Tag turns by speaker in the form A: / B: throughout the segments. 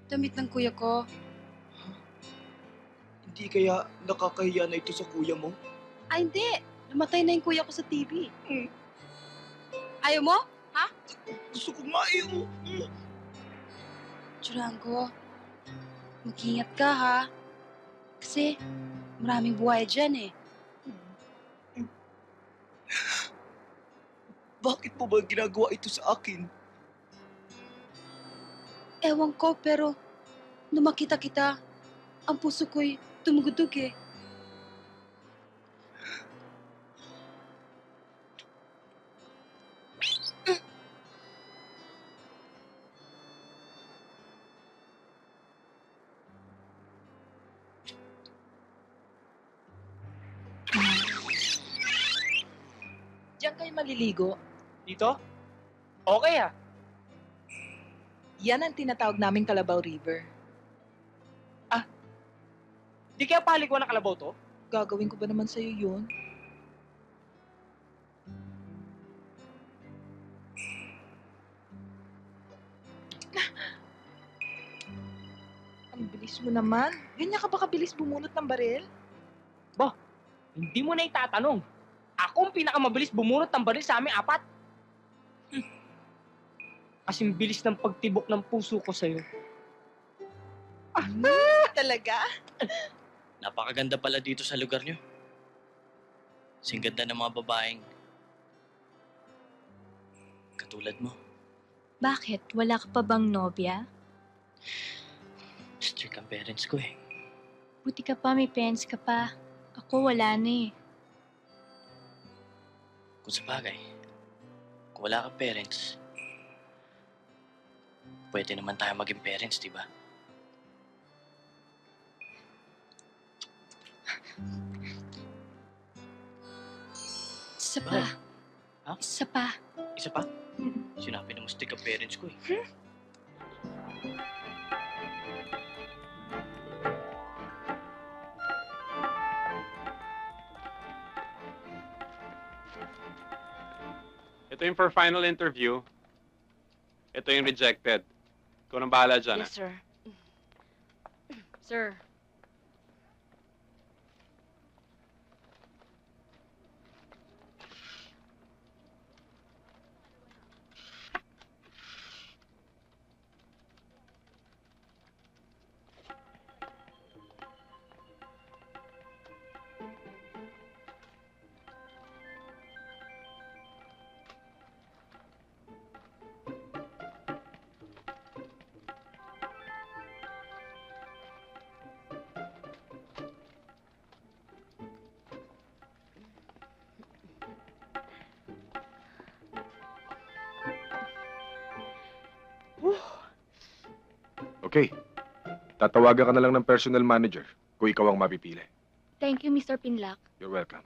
A: Damit ng kuya ko.
B: Hindi kaya nakakahiya na ito sa kuya mo?
A: Ay, hindi. Namatay na yung kuya ko sa TV.
B: Hmm.
A: Ayaw mo?
B: Gusto ko nga eh.
A: Churango, mag-ingat ka ha. Kasi maraming buhay dyan eh.
B: Bakit mo ba ginagawa ito sa akin?
A: Ewan ko pero nung makita kita, ang puso ko'y tumugutog eh.
C: Diyan kayo maliligo.
D: Dito? Okay ah.
C: Yan ang tinatawag naming Kalabaw River.
D: Di kaya paliko ng kalabaw to?
C: Gagawin ko ba naman sa'yo yun? Ang bilis mo naman. Ganyan ka ba kabilis bumunot ng baril?
D: Hindi mo na itatanong. Ako ang pinakamabilis bumunot ng baril sa aming apat. Kasing bilis ng pagtibok ng puso ko sa'yo.
C: Talaga?
E: Napakaganda pala dito sa lugar nyo. Kasing ganda ng mga babaeng katulad mo.
F: Bakit? Wala ka pa bang nobya?
E: Strict ang parents ko eh.
F: Buti ka pa, may parents ka pa. Ako wala na eh.
E: Kung sa bagay, kung wala kang parents, pwede naman tayo maging parents, di ba?
F: Isa pa.
E: Bakit? Ha?
F: Isa pa.
E: Isa pa? Sinabi na mo strict ang parents ko eh.
G: Ito yung for final interview. Ito yung rejected. Ikaw nang bahala dyan.
H: Yes, sir. Sir.
I: Okay. Tatawagan ka na lang ng personal manager kung ikaw ang mapipili.
F: Thank you, Mr. Pinlock.
I: You're welcome.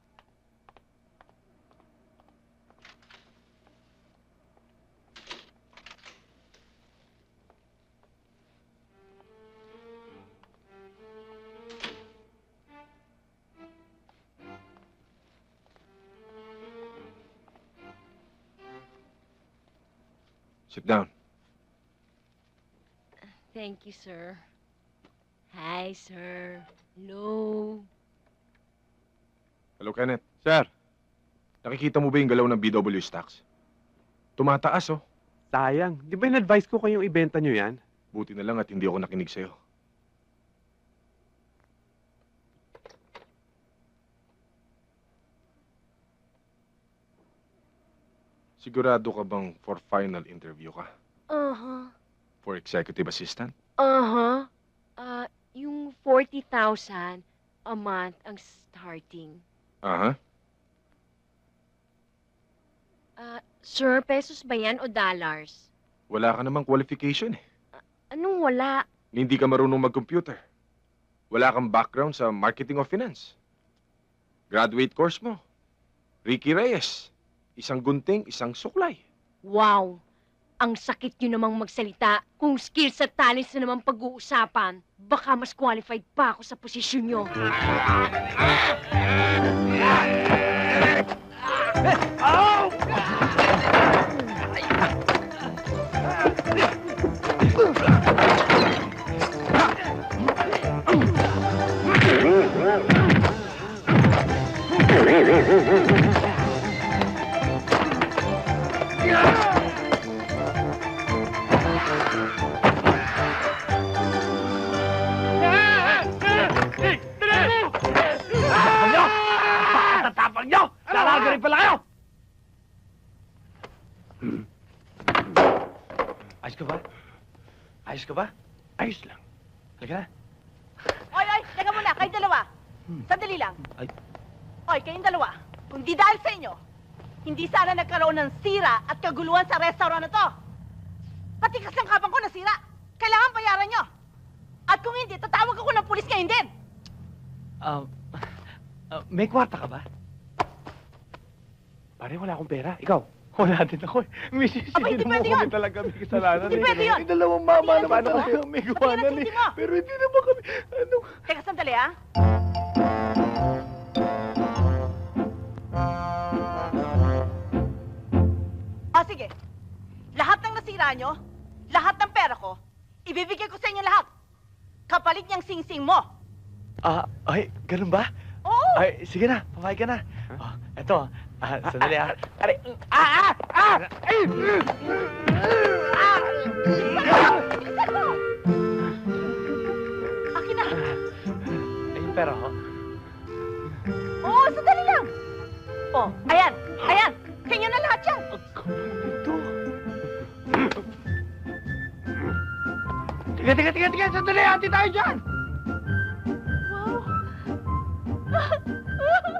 I: Sit down.
H: Thank you, sir. Hi, sir. Hello.
I: Hello, Kenneth. Sir, nakikita mo ba yung galaw ng BW stocks? Tumataas, oh.
G: Sayang. Di ba in-advise ko kayong ibenta nyo yan?
I: Buti na lang at hindi ako nakinig sa'yo. Sigurado ka bang for final interview ka?
H: Uh-huh.
I: For executive assistant?
H: Uh-huh. Yung 40,000 a month ang starting.
I: Aha.
H: Sir, pesos ba yan o dollars?
I: Wala ka namang qualification eh.
H: Anong wala?
I: Hindi ka marunong mag-computer. Wala kang background sa marketing o finance. Graduate course mo. Ricky Reyes. Isang gunting, isang suklay.
H: Wow! Ang sakit nyo namang magsalita. Kung skills at talents na naman pag-uusapan, baka mas qualified pa ako sa posisyon nyo.
D: Tapang nyo! Napakatatapang nyo! Lalagarin pala kayo! Ayos ka ba? Ayos ka ba? Ayos lang. Halika na.
C: Oy, teka muna, kayong dalawa. Sandali lang.
D: Ay.
C: Oy, kayong dalawa. Kung di dahil sa inyo, hindi sana nagkaroon ng sira at kaguluhan sa restaurant na to. Pati kasangkapan ko nasira. Kailangan bayaran nyo. At kung hindi, tatawag ako ng pulis ngayon din.
D: May kwarta ka ba? Pare, wala akong pera. Ikaw? Wala din ako eh.
C: Aba, hindi pwede yun.
D: talaga may kasalanan.
C: Hindi pwede yun.
D: Yung dalawang mama
C: Hindi
D: naman
C: na
D: ako
C: totoo.
D: may
C: Sabihin
D: gawanan
C: natin,
D: eh.
C: hindi mo.
D: Pero hindi naman kami, ano?
C: Teka, sandali, ha? O, sige. Lahat ng nasira nyo, lahat ng pera ko, ibibigay ko sa inyo lahat. Kapalit niyang sing-sing mo.
D: Ay, ganun ba?
C: Oo!
D: Ay, sige na, pamayag ka na. Oh, eto, sandali ah. Aray, Ay!
C: Bilisan mo! Akin na!
D: Ay, yung pera ho.
C: Oo, sandali lang! Oh, ayan! Ayan! Kanya na lahat yan!
D: Ito. Tiga, sandali, hati tayo dyan!
C: Wow!